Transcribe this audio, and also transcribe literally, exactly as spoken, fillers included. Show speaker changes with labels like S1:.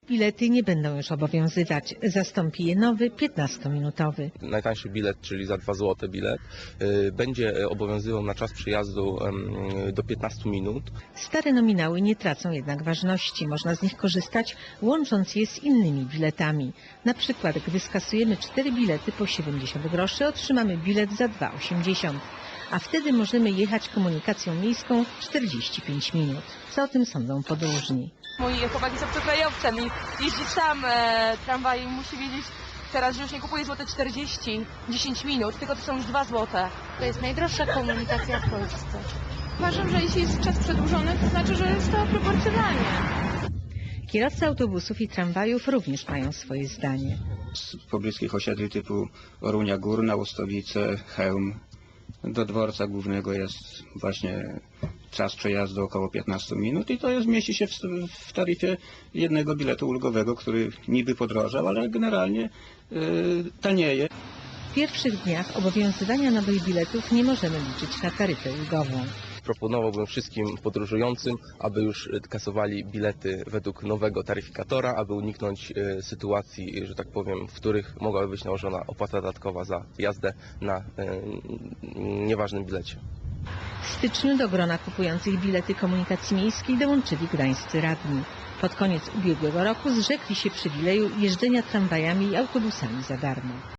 S1: Bilety nie będą już obowiązywać. Zastąpi je nowy, piętnastominutowy.
S2: Najtańszy bilet, czyli za dwa złote bilet, będzie obowiązywał na czas przejazdu do piętnastu minut.
S1: Stare nominały nie tracą jednak ważności. Można z nich korzystać, łącząc je z innymi biletami. Na przykład, gdy skasujemy cztery bilety po siedemdziesiąt groszy, otrzymamy bilet za dwa osiemdziesiąt. A wtedy możemy jechać komunikacją miejską czterdzieści pięć minut. Co o tym sądzą podróżni?
S3: Mój chłopak jest obcokrajowcem i jeździ sam e, tramwajem i musi wiedzieć teraz, że już nie kupuje złote czterdzieści, dziesięć minut, tylko to są już dwa złote.
S4: To jest najdroższa komunikacja w Polsce.
S5: Uważam, że jeśli jest czas przedłużony, to znaczy, że jest to proporcjonalnie.
S1: Kierowcy autobusów i tramwajów również mają swoje zdanie.
S6: Z pobliskich osiedli typu Orunia Górna, Łostowice, Chełm do dworca głównego jest właśnie czas przejazdu około piętnastu minut i to jest, mieści się w, w taryfie jednego biletu ulgowego, który niby podrożał, ale generalnie yy, tanieje.
S1: W pierwszych dniach obowiązywania nowych biletów nie możemy liczyć na taryfę ulgową.
S2: Proponowałbym wszystkim podróżującym, aby już kasowali bilety według nowego taryfikatora, aby uniknąć sytuacji, że tak powiem, w których mogłaby być nałożona opłata dodatkowa za jazdę na nieważnym bilecie.
S1: W styczniu do grona kupujących bilety komunikacji miejskiej dołączyli gdańscy radni. Pod koniec ubiegłego roku zrzekli się przywileju jeżdżenia tramwajami i autobusami za darmo.